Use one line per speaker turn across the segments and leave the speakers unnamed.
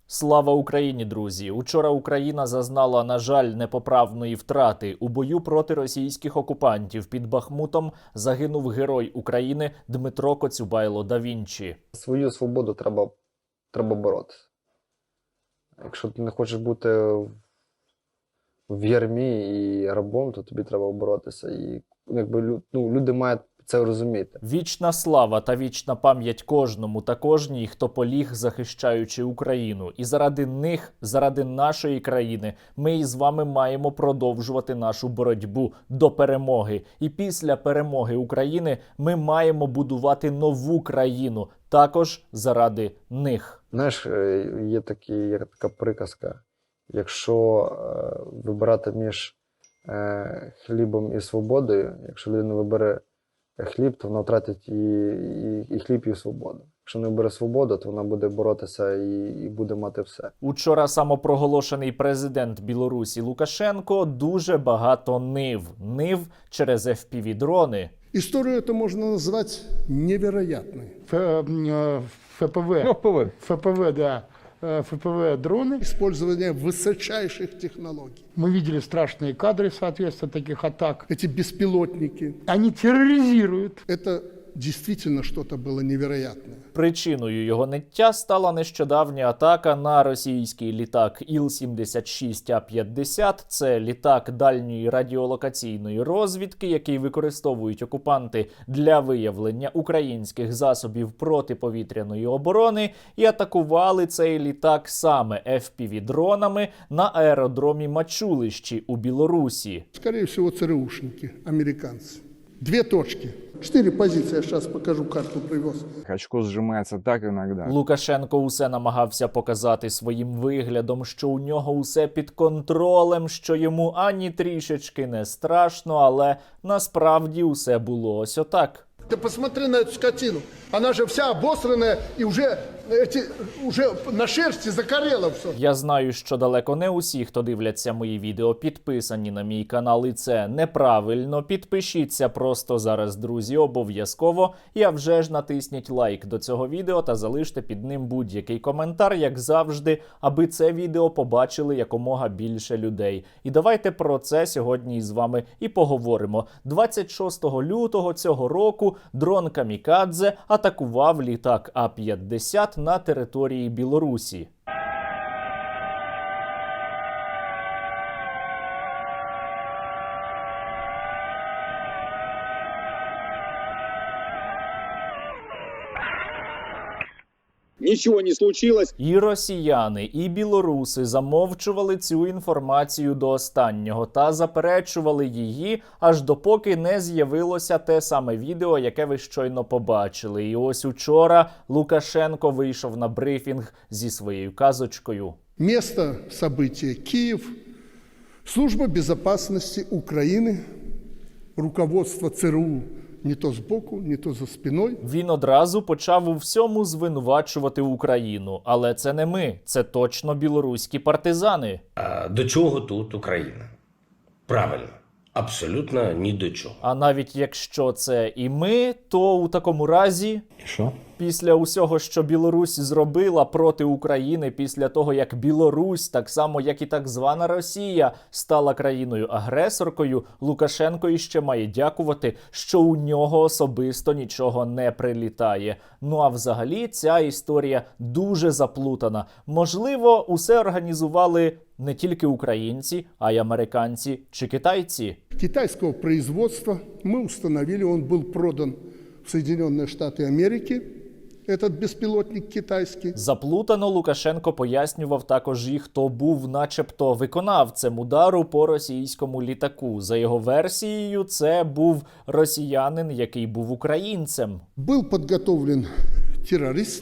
Слава Україні, друзі! Учора Україна зазнала, на жаль, непоправної втрати. У бою проти російських окупантів під Бахмутом загинув герой України Дмитро Коцюбайло да Вінчі.
Свою свободу треба боротися. Якщо ти не хочеш бути в ярмі і рабом, то тобі треба боротися. І люди мають це розуміти.
Вічна слава та вічна пам'ять кожному та кожній, хто поліг, захищаючи Україну. І заради них, заради нашої країни, ми із вами маємо продовжувати нашу боротьбу до перемоги. І після перемоги України ми маємо будувати нову країну, також заради них.
Знаєш, є така приказка. Якщо вибирати між хлібом і свободою, якщо людина вибере хліб, то вона втратить і хліб, і свободу. Якщо не бере свободу, то вона буде боротися і буде мати все.
Учора самопроголошений президент Білорусі Лукашенко дуже багато нив через FPV-дрони.
Историю это можно назвать невероятной.
ФПВ, да. ФПВ-дроны.
Использование высочайших технологий.
Мы видели страшные кадры, соответственно, таких атак.
Эти беспилотники.
Они терроризируют.
Это действительно что-то было невероятное.
Причиною його ниття стала нещодавня атака на російський літак Іл-76А-50. Це літак дальньої радіолокаційної розвідки, який використовують окупанти для виявлення українських засобів протиповітряної оборони. І атакували цей літак саме FPV-дронами на аеродромі Мачулищі у Білорусі.
Скорее всего, ЦРУшники, американцы. 2 точки. 4 позиции. Я сейчас покажу, карту привез.
Очко сжимается так иногда.
Лукашенко усе намагався показати своїм виглядом, що у нього усе під контролем, що йому ані трішечки не страшно, але насправді усе було ось отак.
Ты посмотри на эту скотину. Она же вся обосранная и уже на шерсти закорела все.
Я знаю, що далеко не усі, хто дивляться мої відео, підписані на мій канал, і це неправильно. Підпишіться просто зараз, друзі, обов'язково. І а вже ж натисніть лайк до цього відео та залиште під ним будь-який коментар, як завжди, аби це відео побачили якомога більше людей. І давайте про це сьогодні із вами і поговоримо. 26 лютого цього року дрон Камікадзе атакував літак А-50 на території Білорусі.
Нічого не случилось.
І росіяни, і білоруси замовчували цю інформацію до останнього та заперечували її, аж допоки не з'явилося те саме відео, яке ви щойно побачили. І ось учора Лукашенко вийшов на брифінг зі своєю казочкою.
Место события Киев. Служба безопасности Украины. Руководство ЦРУ не то збоку, не то за спиною.
Він одразу почав у всьому звинувачувати Україну. Але це не ми, це точно білоруські партизани.
А до чого тут Україна? Правильно, абсолютно ні до чого.
А навіть якщо це і ми, то у такому разі...
Что?
Після усього, що Білорусь зробила проти України, після того, як Білорусь, так само, як і так звана Росія, стала країною-агресоркою, Лукашенко іще має дякувати, що у нього особисто нічого не прилітає. Ну а взагалі ця історія дуже заплутана. Можливо, усе організували не тільки українці, а й американці чи китайці.
Китайского производства мы установили, он был продан в Соединенные Штаты Америки. Этот безпілотник китайський.
Заплутано Лукашенко пояснював також і хто був начебто виконавцем удару по російському літаку. За його версією, це був росіянин, який був українцем.
Был подготовлен террорист.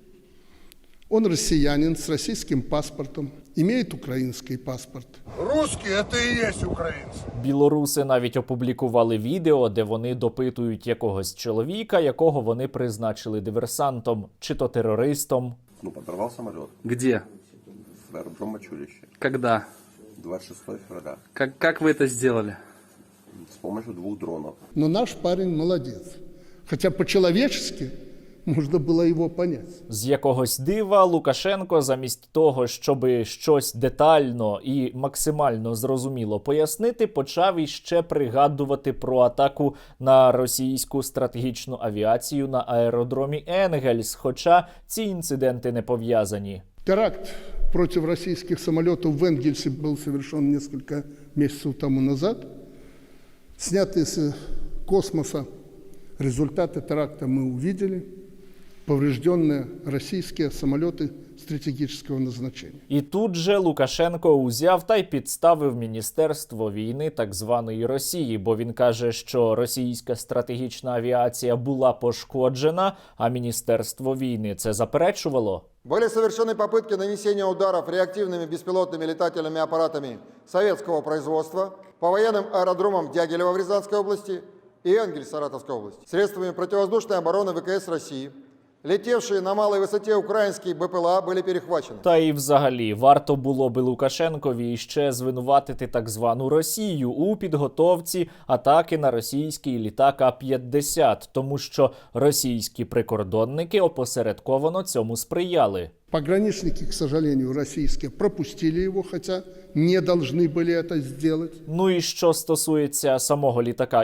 Он россиянин с российским паспортом, имеет украинский паспорт.
Русские – это и есть украинцы.
Білоруси навіть опублікували відео, де вони допитують якогось чоловіка, якого вони призначили диверсантом чи то терористом.
Подорвал самолет.
Где?
В аэродром Мачулище.
Когда?
26 февраля.
Как вы это сделали?
С помощью 2 дронов.
Но наш парень молодец. Хотя по-человечески можно было его понять.
З якогось дива Лукашенко замість того, щоби щось детально і максимально зрозуміло пояснити, почав іще пригадувати про атаку на російську стратегічну авіацію на аеродромі Енгельс, хоча ці інциденти не пов'язані.
Теракт против российских самолетов в Энгельсе был совершен несколько месяцев тому назад. Снятые с космоса результаты теракта мы увидели. Поврежденные российские самолеты стратегического назначения.
І тут же Лукашенко узяв та й підставив Міністерство війни так званої Росії, бо він каже, що російська стратегічна авіація була пошкоджена, а Міністерство війни це заперечувало.
Были совершены попытки нанесения ударов реактивными беспилотными летательными аппаратами советского производства по военным аэродромам Дягилева в Рязанской области и Энгельс Саратовской области средствами противовоздушной обороны ВКС России. Летевшие на малой высоте украинские БПЛА были перехвачены.
Та і взагалі, варто було би Лукашенкові ще звинуватити так звану Росію у підготовці атаки на російський літак А-50, тому що російські прикордонники опосередковано цьому сприяли.
Пограничники, к сожалению, российские пропустили его, хотя не должны были это сделать.
Ну і що стосується самого літака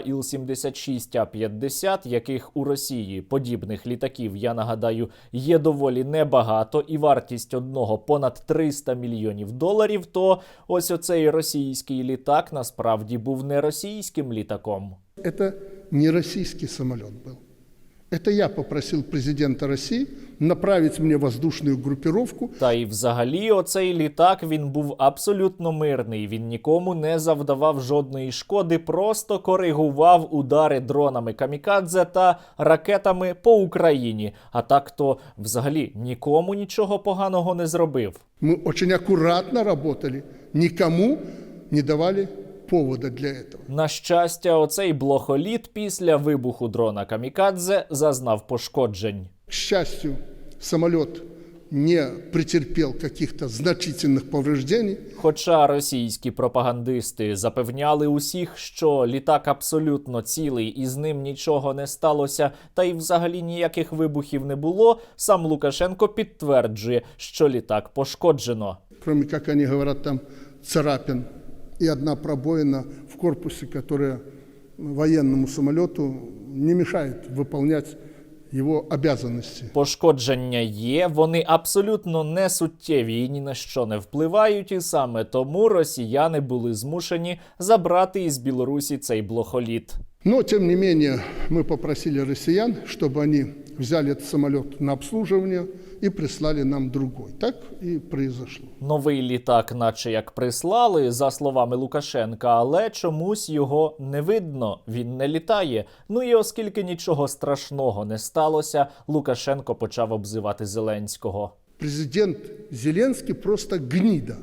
Іл-76А-50, яких у Росії подібних літаків, я нагадаю, є доволі небагато, і вартість одного понад $300 мільйонів, то ось оцей російський літак насправді був не російським літаком.
Это не российский самолет был. Это я попросил президента России направить мне воздушную группировку.
Та й взагалі оцей літак, він був абсолютно мирний, він нікому не завдавав жодної шкоди, просто коригував удари дронами камікадзе та ракетами по Україні. А так-то взагалі нікому нічого поганого не зробив.
Мы очень аккуратно работали, никому не давали повода для этого.
На щастя, оцей блохоліт після вибуху дрона камікадзе зазнав пошкоджень.
К счастью, самолет не претерпел каких-то значительных повреждений.
Хоча російські пропагандисти запевняли усіх, що літак абсолютно цілий і з ним нічого не сталося, та й взагалі ніяких вибухів не було, сам Лукашенко підтверджує, що літак пошкоджено.
Кроме, как они говорят, там царапин и одна пробоина в корпусе, которая военному самолету не мешает выполнять його обязанності.
Пошкодження є, вони абсолютно не суттєві і ні на що не впливають, і саме тому росіяни були змушені забрати із Білорусі цей блохоліт.
Но, тем не менее, мы попросили россиян, чтобы они взяли этот самолет на обслуживание и прислали нам другой. Так и произошло.
Новий літак наче як прислали, за словами Лукашенка, але чомусь його не видно, він не літає. Ну і оскільки нічого страшного не сталося, Лукашенко почав обзивати Зеленського.
Президент Зеленський просто гніда.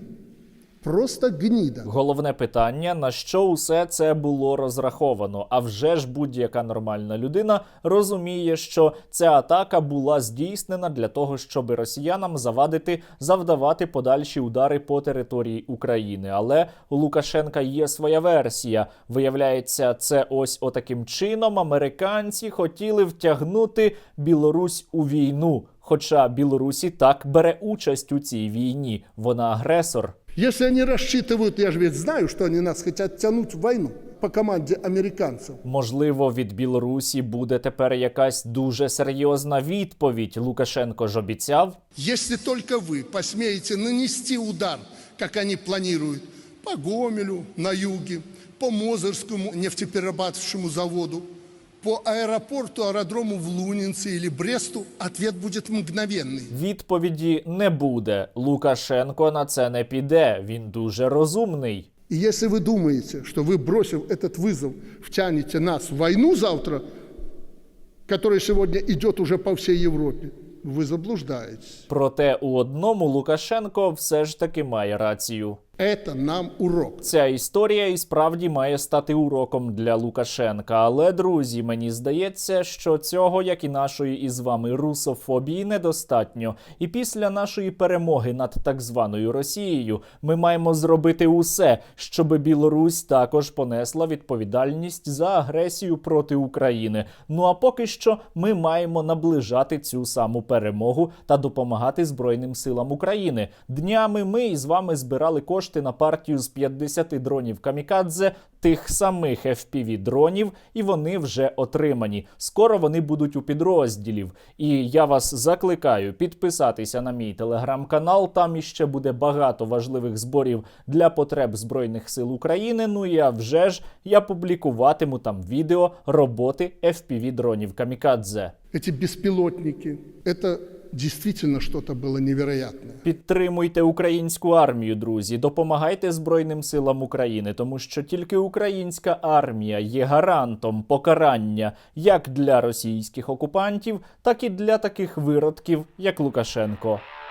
Просто гніда.
Головне питання, на що усе це було розраховано. А вже ж будь-яка нормальна людина розуміє, що ця атака була здійснена для того, щоб росіянам завдавати подальші удари по території України. Але у Лукашенка є своя версія. Виявляється, це ось отаким чином американці хотіли втягнути Білорусь у війну. Хоча Білорусь і так бере участь у цій війні. Вона агресор.
Если они рассчитывают, я же ведь знаю, что они нас хотят тянуть в войну по команде американцев.
Можливо, від Білорусі буде тепер якась дуже серйозна відповідь. Лукашенко ж обіцяв.
Если только вы посмеете нанести удар, как они планируют, по Гомелю на юге, по Мозырскому нефтеперерабатывающему заводу, по аэропорту, аэродрому в Лунинце или Бресту, ответ будет мгновенный.
Відповіді не буде. Лукашенко на це не піде. Він дуже розумний.
И если вы думаете, что вы, бросив этот вызов, втянете нас в войну завтра, которая сегодня идет уже по всей Европе, ви заблуждаєтесь.
Проте у одному Лукашенко все ж таки має рацію.
Это нам урок.
Ця історія і справді має стати уроком для Лукашенка. Але, друзі, мені здається, що цього, як і нашої із вами русофобії, недостатньо. І після нашої перемоги над так званою Росією ми маємо зробити усе, щоб Білорусь також понесла відповідальність за агресію проти України. Ну а поки що ми маємо наближати цю саму перемогу та допомагати Збройним силам України. Днями ми із вами збирали кошти на партію з 50 дронів камікадзе, тих самих FPV-дронів, і вони вже отримані. Скоро вони будуть у підрозділів. І я вас закликаю підписатися на мій телеграм-канал, там іще буде багато важливих зборів для потреб Збройних сил України. Ну і вже ж я публікуватиму там відео роботи FPV-дронів камікадзе.
Эти беспилотники, это действительно что-то было невероятное.
Підтримуйте українську армію, друзі, допомагайте Збройним силам України, тому що тільки українська армія є гарантом покарання як для російських окупантів, так і для таких виродків, як Лукашенко.